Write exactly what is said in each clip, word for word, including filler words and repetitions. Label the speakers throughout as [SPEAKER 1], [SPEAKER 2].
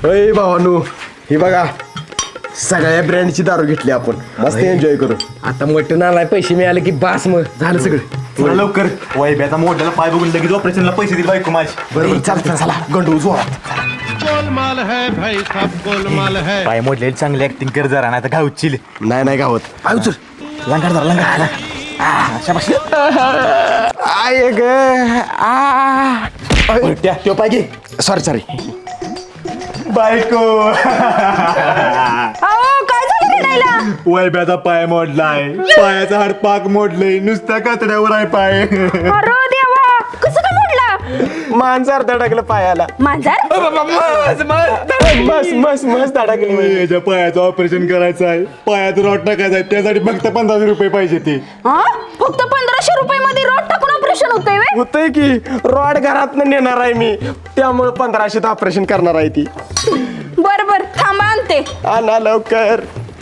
[SPEAKER 1] अय भावानू ही बघा सगळ्या ब्रँडची दारू घेतली आपण मस्त एन्जॉय करू.
[SPEAKER 2] आता मटण आलाय पैसे मिळाले की बास मग झालं सगळं.
[SPEAKER 3] थोडं लवकर वैभ्याचा मोठ्याला पाय बघून लगेच ऑपरेशनला पैसे दिले बायको माझी.
[SPEAKER 1] बरोबर चालतं चला गंडू जोरात.
[SPEAKER 4] गोलमाल है भाई सब गोलमाल है.
[SPEAKER 3] पाय मोडलेली चांगली ऍक्टिंग कर जरा नाही तर घावचील.
[SPEAKER 1] नाही नाही गावत
[SPEAKER 3] पाय उचल लंगाड जरा लंगाड.
[SPEAKER 1] आय ग आ
[SPEAKER 3] त्या तो पाय घे.
[SPEAKER 1] सॉरी सॉरी
[SPEAKER 3] बायको
[SPEAKER 5] अहो काय झालं रडायला?
[SPEAKER 3] वैभ्याचा पाय मोडलाय. पायाचा हाड पाक मोडलंय. नुसत्या कातड्यावर आहे पाय.
[SPEAKER 5] अरे देवा कसं काय मोडला?
[SPEAKER 1] मांजर धडकलं पायाला.
[SPEAKER 5] मांजर?
[SPEAKER 1] मस्त मस्त मस्त धडकली.
[SPEAKER 3] याच्या पायाचं ऑपरेशन करायचं आहे. पायात रॉड टाकायचं आहे. त्यासाठी फक्त पंधराशे रुपये पाहिजे ते.
[SPEAKER 5] हा फक्त पंधराशे रुपये मध्ये रोड टाकून ऑपरेशन होतंय व्हय?
[SPEAKER 1] होतंय की रॉड घरात नेणार आहे मी त्यामुळे पंधराशेत ऑपरेशन करणार आहे ती.
[SPEAKER 5] बर बर थांबा आणते.
[SPEAKER 1] आणा लवकर.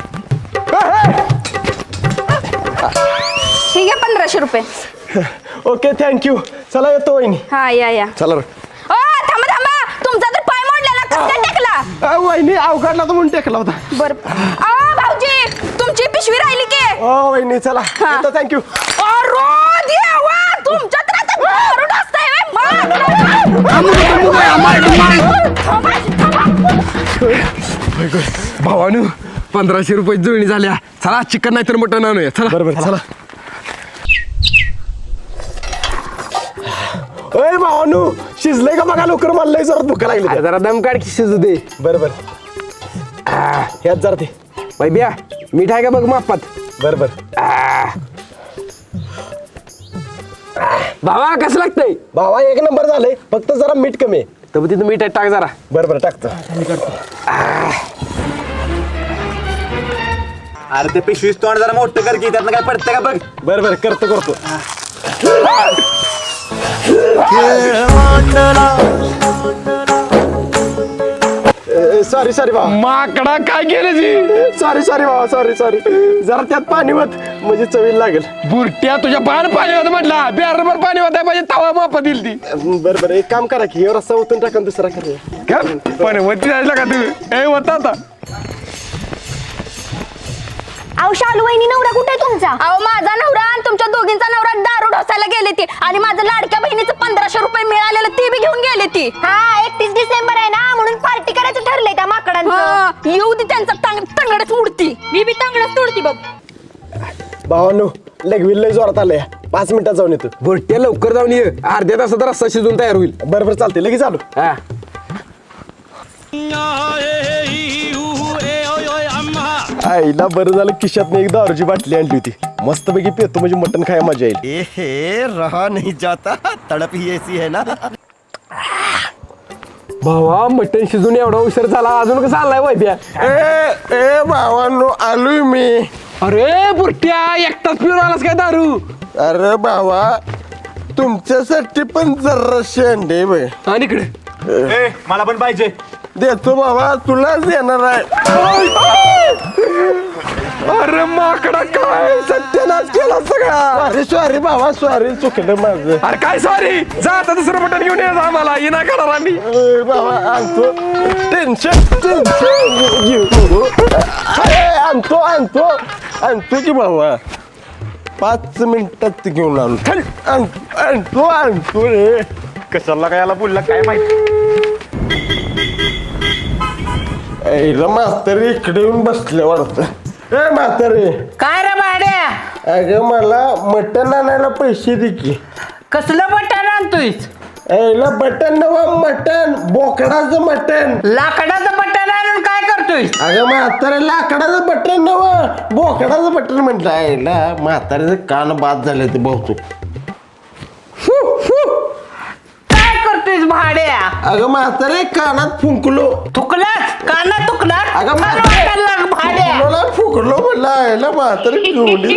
[SPEAKER 5] ठीक आहे पंधराशे रुपये.
[SPEAKER 1] Okay thank you. चला येतो वहिनी.
[SPEAKER 5] हा या या.
[SPEAKER 1] चला रे.
[SPEAKER 5] ओ थांबा थांबा तुमचा तर पाय मोडलेला कसं काय टाकला?
[SPEAKER 1] अ, वहिनी अवघडला तर म्हणून टेकला होता.
[SPEAKER 5] बर अहो भाऊजी तुमची पिशवी राहिली की?
[SPEAKER 1] ओ वहिनी चला
[SPEAKER 5] हा.
[SPEAKER 1] येतो थँक्यू.
[SPEAKER 5] अरे देवा तुमच्या तर आता दारू ढोसताय व्हय?
[SPEAKER 2] भावानू पंधराशे रुपये जुळणी झाल्या. चला चिकन नाही तर मटण आणूया. चला
[SPEAKER 1] बरोबर चला. ओय भावानू शिजलंय का बघा लवकर मला लय जरा भूक लागली.
[SPEAKER 2] अरे जरा दम काढ की शिजू दे.
[SPEAKER 1] बरोबर ह्यात जरा ते
[SPEAKER 2] वैभ्या मीठ आहे का बघ मापात.
[SPEAKER 1] बरोबर.
[SPEAKER 2] भावा कसं लागतंय?
[SPEAKER 1] भावा एक नंबर झालंय फक्त जरा मीठ कमी आहे.
[SPEAKER 2] तर तिथं मीठ टाक जरा.
[SPEAKER 1] बरोबर टाकतो.
[SPEAKER 3] अरे ते पिशवीस तोंड जरा मोठं कर की त्यातनं काय पडतं का बघ.
[SPEAKER 1] बरोबर करतो करतो. सॉरी सॉरी भावा.
[SPEAKER 2] माकडा काय केलं जी?
[SPEAKER 1] सॉरी सॉरी भावा सॉरी सॉरी जरा त्यात पाणी होत म्हणजे चवीला लागेल.
[SPEAKER 2] बुरट्या तुझ्या पान पाणी होतं म्हटला. बॅरभर पाणी होतं पाहिजे तवा मापा दिली ती.
[SPEAKER 1] बरोबर एक काम करा की रस्ता ओतून टाका दुसरा करूया.
[SPEAKER 2] काय पण वरती जायला का तू? ए होता आता
[SPEAKER 5] अहो शालू वहिनी नवरा कुठे आहे तुमचा? अहो माझा नवरा आणि तुमच्या दोघींचा नवरा दारू ढोसायला गेले ती आणि माझं लाडक्या बहिणीचं पंधराशे रुपये मिळालेलं ते बी घेऊन गेले ती. हा एकतीस डिसेंबर आहे ना म्हणून पार्टी करायचं ठरलंय त्या माकडांचं. येऊ दे त्यांचा तंगडच उडती. मी बी तंगडच तोडती बघ.
[SPEAKER 1] भावानो लगविल लय जोरात आलंय. पाच मिनिटात जाऊन येतो.
[SPEAKER 2] बुरट्या लवकर जाऊन ये. अर्ध्या तासात रस्ता शिजून तयार होईल.
[SPEAKER 1] बरोबर चालते लगेच आलो.
[SPEAKER 2] हा
[SPEAKER 1] आईला बरं झालं खिशात एक दारूची बाटली आणली होती. मस्तपैकी पेतो म्हणजे मटण खायला मजा येईल.
[SPEAKER 6] ए हे रहा नहीं जाता तड़प ही ऐसी है ना.
[SPEAKER 2] भावा मटण शिजून एवढा उशीर झाला अजून कसं आलाय वैद्या?
[SPEAKER 1] ए ए भावानो आलोय मी.
[SPEAKER 2] अरे बुरट्या एकटाच पिऊन आलास काय दारू?
[SPEAKER 1] अरे भावा तुमच्यासाठी पण जरा शेंडे बे
[SPEAKER 2] आणि इकडे
[SPEAKER 3] ए मला पण पाहिजे.
[SPEAKER 1] देतो बाबा तुलाच देणार आहे.
[SPEAKER 2] अरे माकडा काय सत्यानाश केला सगळा.
[SPEAKER 1] सॉरी सॉरी बाबा सॉरी चुकलं माझं.
[SPEAKER 2] अरे काय सॉरी जा आता दुसरं मटण घेऊन ये आम्हाला ये ना करणार आम्ही.
[SPEAKER 1] ए, बाबा आणतो टेन्शन टेन्शन घेऊ नको. अरे आणतो आणतो आणतो की बाबा पाच मिनिटात घेऊन आलो. चल, आणतो आणतो आणतो रे.
[SPEAKER 3] कशाला काय याला बोलला काय माहिती.
[SPEAKER 1] ऐला म्हातारी इकडे येऊन बसले वाटतं. ए म्हातारी
[SPEAKER 7] काय रे भाड्या?
[SPEAKER 1] अगं मला मटण आणायला पैसे दे की.
[SPEAKER 7] कसलं बटन आणतोय?
[SPEAKER 1] ऐला बटन नवा मटण बोकडाचं मटण.
[SPEAKER 7] लाकडाचं बटन आणून काय करतोय?
[SPEAKER 1] अगं म्हातारे लाकडाचं बटन नवा बोकडाचं बटन म्हटलं. ऐला म्हाताऱ्याचं कान बाद झाले ते बहुतेक.
[SPEAKER 7] काय करतोय भाड्या?
[SPEAKER 1] अगं म्हातारे कानात फुंकलो.
[SPEAKER 7] थुकलास काना तुकलास?
[SPEAKER 1] अगं
[SPEAKER 7] मला
[SPEAKER 1] म्हातारे
[SPEAKER 7] वाटायला लाग भाड्या.
[SPEAKER 1] फुकलो फुकलो म्हटलं. ऐला म्हातारे पिवली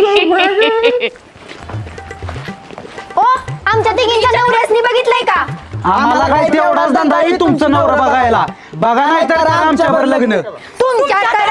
[SPEAKER 5] ओ आमच्या तिघींच्या नवऱ्यासनी बघितलंय का?
[SPEAKER 8] आम्हाला काय तेवढाच धंदा आहे तुमचं नवरा बघायला. बघा नाही तर आमच्यावर लग्न.
[SPEAKER 5] तुमच्याकडे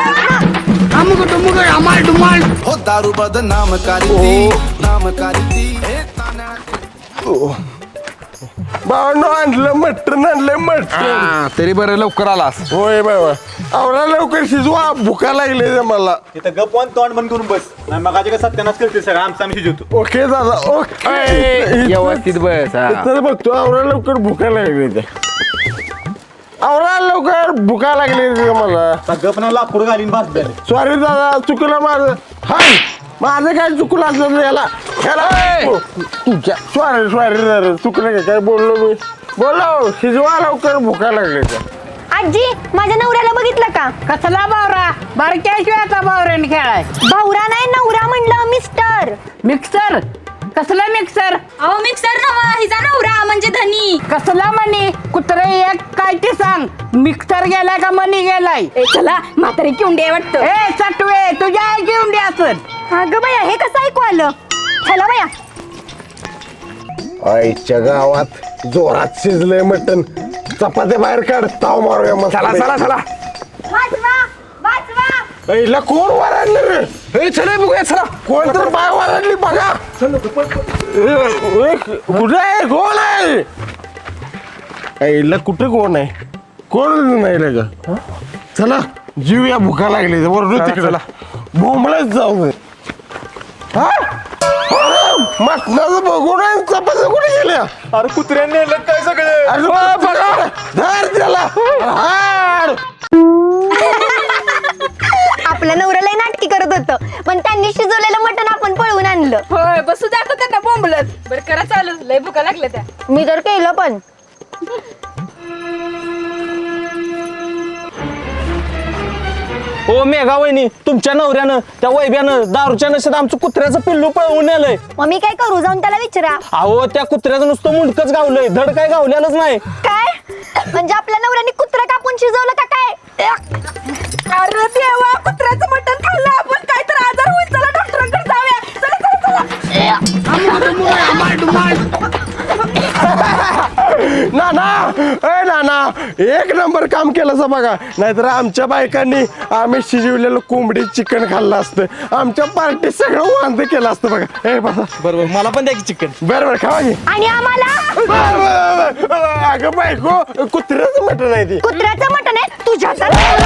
[SPEAKER 6] हो दारू बदनाम करी नाम करी
[SPEAKER 1] भावांनो आणलं मटण आणलं मटण
[SPEAKER 2] हा, तरी बरं लवकर आलास.
[SPEAKER 1] होय बाबा आवरा लवकर शिजवा भुका लागले रे मला
[SPEAKER 3] इथं गप वन तोंड बंद करून बस नाही मग काय सत्यानाश करते सगळं आमचा आम्ही शिजवतो.
[SPEAKER 1] ओके दादा ओके
[SPEAKER 2] ए, व्यवस्थित बस हा.
[SPEAKER 1] इथं बघतो आवरा लवकर भुका लागली ते आवरा लवकर भुका लागली रे मला
[SPEAKER 3] आता गप ना लाकूड घालीन भास द्याले.
[SPEAKER 1] सॉरी दादा चुकलं माझं हाय माझं काय चुकलं असलं याला ह्याला तुझ्या सॉरी सॉरी दादा चुकलं का काय बोललो मी बोलो शिजवा लवकर भुका लागली ते
[SPEAKER 5] आजी माझ्या नवऱ्याला बघितलं का?
[SPEAKER 7] कसला बावरा बारक्या शिवायचा बावऱ्याने खेळाय.
[SPEAKER 5] भावरा नाही नवरा म्हणलं मिस्टर.
[SPEAKER 7] मिक्सर कसला मिक्सर
[SPEAKER 5] अहो मिक्सर नवा हिचा नवरा म्हणजे धनी.
[SPEAKER 7] कसला मनी कुत्रे एक काय ते सांग मिक्सर गेलाय का मनी गेलाय.
[SPEAKER 5] ए चला म्हातारी किंडे वाटतं.
[SPEAKER 7] ए सटवे तुझ्या आई घेऊन द्या असत.
[SPEAKER 5] अगं बाया हे कसं ऐकू आलं? चला बाया
[SPEAKER 1] आईच्या गावात जोरात शिजलंय मटण चपात्या बाहेर काढ ताव मारूया मग
[SPEAKER 2] चला चला चला
[SPEAKER 5] वाचवा वाचवा.
[SPEAKER 1] पहिला कोण वराडलं रे
[SPEAKER 2] ए, चला बघूया चला.
[SPEAKER 1] कोण तर बाय वराडली बघा ए, ए, कुठे आहे कोण आहे आईला कुठे कोण आहे कोण नाही रे का चला जीव या भुका लागली वरडू
[SPEAKER 2] चला,
[SPEAKER 1] तिकडे
[SPEAKER 2] चला.
[SPEAKER 1] बोंबलाच जाऊ दे हा अरे, मटणाचं बघून आहे, चपात्या कुठे गेल्या
[SPEAKER 3] अरे कुत्र्याने नेलं काय सगळं.
[SPEAKER 1] अरे बा, बघा धर त्याला हाड.
[SPEAKER 5] आपलं नवऱ्याला नाटकी करत होतं पण त्यांनी शिजवलेलं मटण आपण पळवून आणलं.
[SPEAKER 9] होय बसू द्या आता त्यांना बोंबलत. बरं करा चालू लय भुका लागल्या त्या.
[SPEAKER 5] मी तर केलं पण
[SPEAKER 8] ओ मेघा वहिनी तुमच्या नवऱ्यानं त्या वैब्यानं दारूच्या नशेत आमचं कुत्र्याचं पिल्लू पळवून नेलंय.
[SPEAKER 5] मग मी काय करू जाऊन त्याला विचारा.
[SPEAKER 8] अहो त्या कुत्र्याचं नुसतं मुंडकच गावलंय धड काय गावलेलंच नाही.
[SPEAKER 5] काय म्हणजे आपल्या नवऱ्याने कुत्रा कापून शिजवलं का काय?
[SPEAKER 9] अरे देवा कुत्र्याचं मटण खाल्लं आपण काय तर आजार होईल. चला डॉक्टरांकडे जाऊया. चला चला चला.
[SPEAKER 1] नाना ए नाना एक नंबर काम केलं बघा नाहीतर आमच्या बायकांनी आम्ही शिजवलेलं कोंबडी चिकन खाल्लं असतं आमच्या पार्टी सगळं वांद केलं असतं बघा ए बसा
[SPEAKER 8] बरोबर मला पण द्या की चिकन.
[SPEAKER 1] बरं बरं खावा की
[SPEAKER 5] आणि आम्हाला
[SPEAKER 1] अगं बायको कुत्र्याचं मटण आहे ती
[SPEAKER 5] कुत्र्याचं मटण आहे तुझ्याच.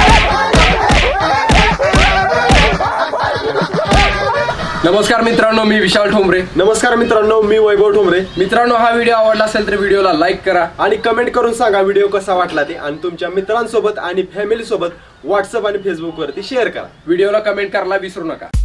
[SPEAKER 2] नमस्कार मित्रांनो मी विशाल ठोंबरे.
[SPEAKER 3] नमस्कार मित्रांनो मी वैभव ठोंबरे.
[SPEAKER 2] मित्रांनो हा व्हिडिओ आवडला असेल तर व्हिडिओला लाईक करा
[SPEAKER 3] आणि कमेंट करून सांगा व्हिडिओ कसा वाटला ते आणि तुमच्या मित्रांसोबत आणि फॅमिली सोबत व्हॉट्सअप आणि फेसबुक वरती शेअर करा.
[SPEAKER 2] व्हिडिओला कमेंट करायला विसरू नका.